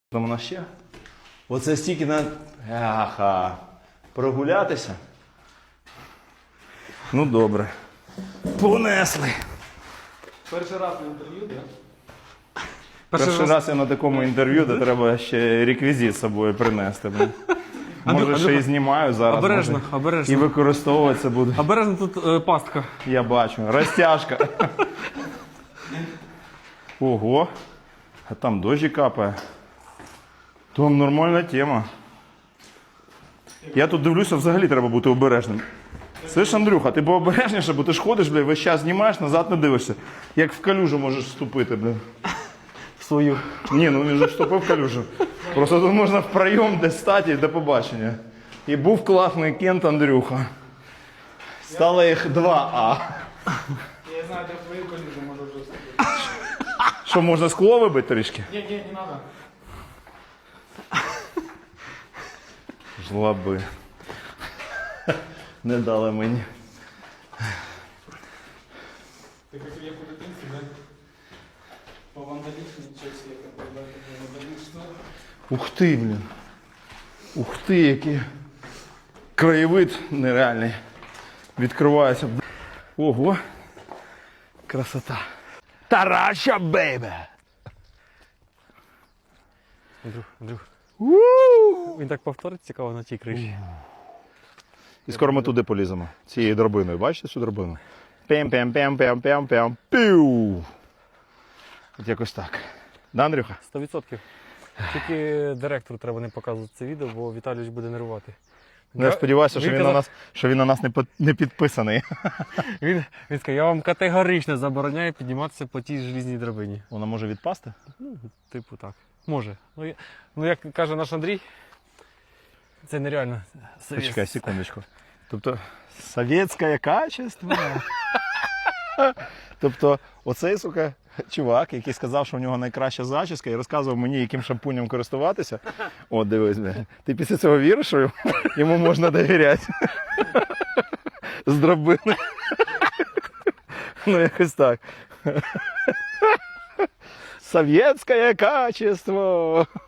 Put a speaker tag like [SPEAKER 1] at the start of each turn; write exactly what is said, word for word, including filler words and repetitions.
[SPEAKER 1] Там у нас ще. Оце стільки на... Аха. Прогулятися. Ну добре. Понесли.
[SPEAKER 2] Перший раз на інтерв'ю, так? Да?
[SPEAKER 1] Перший, Перший раз... раз я на такому інтерв'ю, де треба ще реквізит з собою принести. Може ще і знімаю зараз.
[SPEAKER 2] Обережно,
[SPEAKER 1] може,
[SPEAKER 2] обережно.
[SPEAKER 1] І використовуватися буду.
[SPEAKER 2] Обережно тут е, пастка.
[SPEAKER 1] Я бачу. Розтяжка. Ого. А там дощі капає. Там нормальна тема. Я тут дивлюся, взагалі треба бути обережним. Слышь, Андрюха, ти пообережніше, бо ти ж ходиш, бля, весь час знімаєш, назад не дивишся. Як в калюжу можеш вступити, бля.
[SPEAKER 2] В свою.
[SPEAKER 1] Ні, ну він вже вступив в калюжу. Просто тут можна в прийом десь стати і до побачення. І був класний Кент Андрюха. Стало їх два А.
[SPEAKER 2] Я знаю, де в твою калюжу можу вже вступити.
[SPEAKER 1] Що, можна скло вибити трішки?
[SPEAKER 2] Ні, ні, не треба.
[SPEAKER 1] Жлоби. Не дали мені.
[SPEAKER 2] Ти як я по дитинці, да? По вандалічній часі, як вандалічно.
[SPEAKER 1] Ух ти, блін. Ух ти, який краєвид нереальний. Відкривається. Ого. Красота. Тараща, бейбе!
[SPEAKER 2] Андрюх, Андрюх.
[SPEAKER 1] У-у-у.
[SPEAKER 2] Він так повторить цікаво на тій криші.
[SPEAKER 1] І скоро ми туди поліземо. Цією драбиною. Бачите цю драбину? Пем-пем-пем-пем-пем-пем. Піу! От якось так. Да, Андрюха?
[SPEAKER 2] Сто відсотків. Тільки директору треба не показувати це відео, бо Віталійович буде нервувати.
[SPEAKER 1] Ну, я сподіваюся, що він,
[SPEAKER 2] казав...
[SPEAKER 1] на нас, що він на нас не, по... не підписаний.
[SPEAKER 2] Він, він сказав, я вам категорично забороняю підніматися по тій желізній драбині.
[SPEAKER 1] Вона може відпасти?
[SPEAKER 2] Ну, типу так. Може. Ну, я... ну як каже наш Андрій, це нереально.
[SPEAKER 1] Почекай, секундочку. Тобто, совєтське качество. Тобто, оцей, сука, чувак, який сказав, що в нього найкраща зачіска, і розказував мені, яким шампунем користуватися. От, дивись, бля. Ти після цього віриш, що йому можна довіряти? З драбини. Ну, якось так. Совєтське качество.